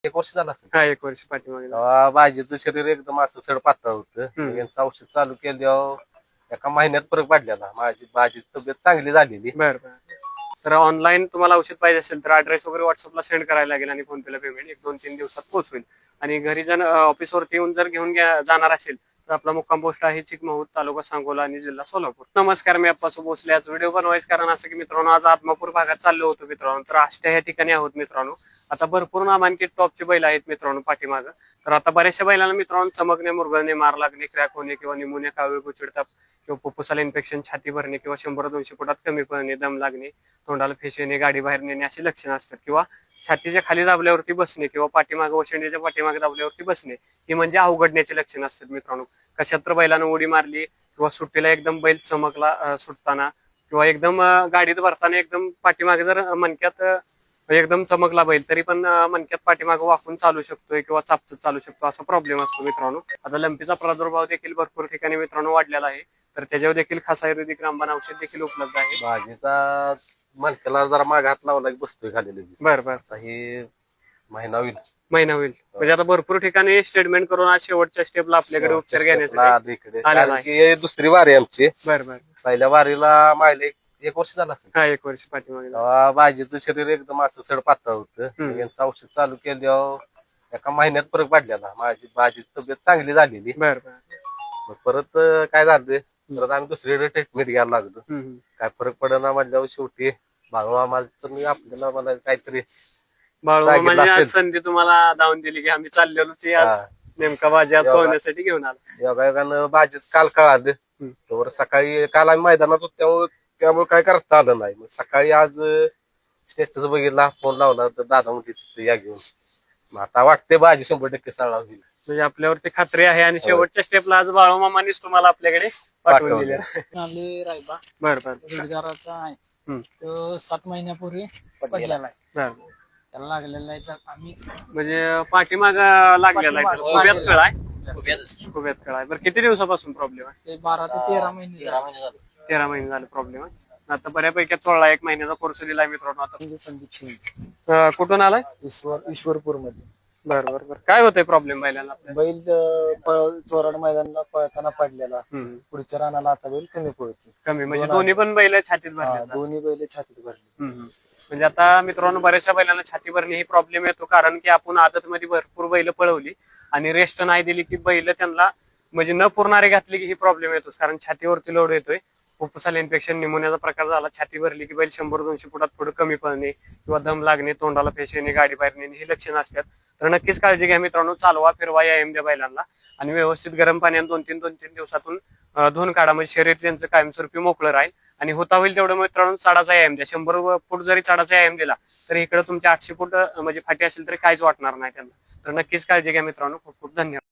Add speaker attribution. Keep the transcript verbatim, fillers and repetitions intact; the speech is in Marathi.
Speaker 1: एक वर्ष झालं असेल.
Speaker 2: हा एक वर्ष पाठीमागे.
Speaker 1: तेव्हा भाजीचं शरीर एकदम असं सड पातळ होतं. यांचं औषध चालू केल्यावर एका महिन्यात फरक पडलेला. माझी भाजीची तब्येत चांगली झालेली.
Speaker 2: बरं बरं. तर ऑनलाईन तुम्हाला औषध पाहिजे असेल तर ऍड्रेस वगैरे व्हॉट्सअपला सेंड करायला लागेल आणि फोन पेला पेमेंट एक दोन तीन दिवसात पोहोचवेल. आणि घरी जर ऑफिसवरती येऊन जर घेऊन जाणार असेल तर आपला मुक्काम पोस्ट आहे चिकमहूर, तालुका सांगोला आणि जिल्हा सोलापूर. नमस्कार, मी अप्पासो भोसले. आज व्हिडिओ बनवायचं कारण असं की मित्रांनो, आज आत्मापूर भागात चाललो होतो मित्रांनो. तर आष्ट्या या ठिकाणी आहोत मित्रांनो. आता भरपूर नामांकित टॉपचे बैल आहेत मित्रांनो पाठीमागं. तर आता बऱ्याचशा बैलांना मित्रांनो चमकणे, मुरगळणे, मार लागणे, क्रॅक होणे किंवा निमोनिया, कावीळ, गुचिडताप किंवा फुफ्फुसाला इन्फेक्शन, छाती भरणे किंवा शंभर दोनशे फुटात कमी पडणे, दम लागणे, तोंडाला फेस येणे, गाडी बाहेर नेणे अशी लक्षणं असतात. किंवा छातीच्या खाली दाबल्यावरती बसणे किंवा पाठीमागे ओशंडीच्या पाठीमागे दाबल्यावरती बसणे ही म्हणजे अवघडण्याची लक्षणं असतात मित्रांनो. कशात तर बैलानं उडी मारली किंवा सुट्टीला एकदम बैल चमकला सुटताना किंवा एकदम गाडीत भरताना एकदम पाठीमागे जर मणक्यात एकदम चमकला बैल तरी पण मणक्यात पाठीमागे वाकून चालू शकतोय किंवा चापचत चालू शकतो असा प्रॉब्लेम असतो मित्रांनो. आता लंपीचा प्रादुर्भाव देखील भरपूर ठिकाणी मित्रांनो वाढलेला आहे. तर त्याच्यावर देखील खास आयुर्वेदिक रामबाण औषध देखील उपलब्ध आहे.
Speaker 1: भाजीचा मणक्याला जरा माग हात लावला की बसतोय खाली.
Speaker 2: बरं बरं.
Speaker 1: आता हे महिना होईल
Speaker 2: महिना होईल म्हणजे आता भरपूर ठिकाणी स्टेटमेंट करून आज शेवटच्या स्टेपला आपल्याकडे उपचार घेण्यासाठी
Speaker 1: दुसरी वारी आमची.
Speaker 2: बरं बरं.
Speaker 1: पहिल्या वारीला माहिले एक वर्ष झालं असेल.
Speaker 2: हा एक वर्ष पाठीमागे.
Speaker 1: तेव्हा भाजीचं शरीर एकदम असं सड पातळ होतं. यांचं औषध चालू केल्यावर एका महिन्यात फरक पडलेला. माझी भाजीची तब्येत चांगली झालेली.
Speaker 2: बरं बरं.
Speaker 1: परत काय झालं, परत आम्ही दुसरीकडे ट्रीटमेंट घ्यायला लागलो. काय फरक पडेना म्हटल्यावर शेवटी बाळू आम्हाला तर मी आपल्याला मला काहीतरी
Speaker 2: बाळू म्हणजे संधी तुम्हाला धावून दिली की आम्ही चाललेलो ती आज नेमका भाजी चोळण्यासाठी घेऊन आला.
Speaker 1: योगायोगानं भाजीच काल कळालं. तर सकाळी काल आम्ही मैदानात होतो त्यामुळे काय करता आलं नाही. मग सकाळी आज स्टेटस बघितला, फोन लावला तर दादा म्हणते या घेऊन. मग आता वाटते भाजी शंभर टक्के सळा होईल
Speaker 2: म्हणजे आपल्यावरती खात्री आहे. आणि शेवटच्या स्टेपला आज बाळू मामानीच तुम्हाला आपल्याकडे पाठवून दिले.
Speaker 3: रायबा
Speaker 2: बरं बरं.
Speaker 3: रोजगाराचा आहे तो सात महिन्यापूर्वी पडलेला आहे. त्याला लागलेला आहे आम्ही
Speaker 2: म्हणजे पाठीमाग लागलेला आहे. खुब्यात कळ आहे. खुब्यात कळ आहे. बरं किती दिवसापासून प्रॉब्लेम आहे?
Speaker 3: ते बारा ते तेरा महिने
Speaker 2: तेरा महिने झाले प्रॉब्लेम आहे. आता बऱ्यापैकी चोळला, एक महिन्याचा कोर्स दिलाय मित्रांनो. आता
Speaker 3: म्हणजे संदीप शिंदे
Speaker 2: कुठून आलाय?
Speaker 3: ईश्वर ईश्वरपूर मध्ये.
Speaker 2: बरं बरं बरं. काय होतंय प्रॉब्लेम बैलांना?
Speaker 3: बैल चोराड मैदानाला पळताना पडलेला. पुढच्या रानाला आता बैल कमी पळतो.
Speaker 2: कमी म्हणजे दोन्ही पण बैल छातीत भरले?
Speaker 3: दोन्ही बैल छातीत भरले.
Speaker 2: म्हणजे आता मित्रांनो बऱ्याचशा बैलांना छाती भरणे ही प्रॉब्लेम येतो. कारण की आपण आदत मध्ये भरपूर बैल पळवली आणि रेस्ट नाही दिली की बैल त्यांना म्हणजे न पुरणारे घातली की ही प्रॉब्लेम येतोच. कारण छातीवरती लोड येतोय. फुफ्फुसाला इन्फेक्शन, निमोनियाचा प्रकार झाला, छाती भरली की बैल शंभर दोनशे फुटात पुढे कमी पडणे किंवा दम लागणे, तोंडाला फेस येणे, गाडी बाहेर नेणे ही लक्षणं असतात. तर नक्कीच काळजी घ्या मित्रांनो. चालवा, फिरवा, व्यायाम द्या बैलांना आणि व्यवस्थित गरम पाण्याने दोन तीन दोन तीन दिवसातून धुवून काढा. म्हणजे शरीर त्यांचं कायमस्वरूपी मोकळं राहील. आणि होता होईल तेवढं मित्रांनो चाडाचा व्यायाम द्या. शंभर फूट जरी चाडाचा व्यायाम दिला तर इकडे तुमच्या आठशे फूट म्हणजे फाटी असेल तरी काहीच वाटणार नाही त्यांना. तर नक्कीच काळजी घ्या मित्रांनो. खूप खूप धन्यवाद.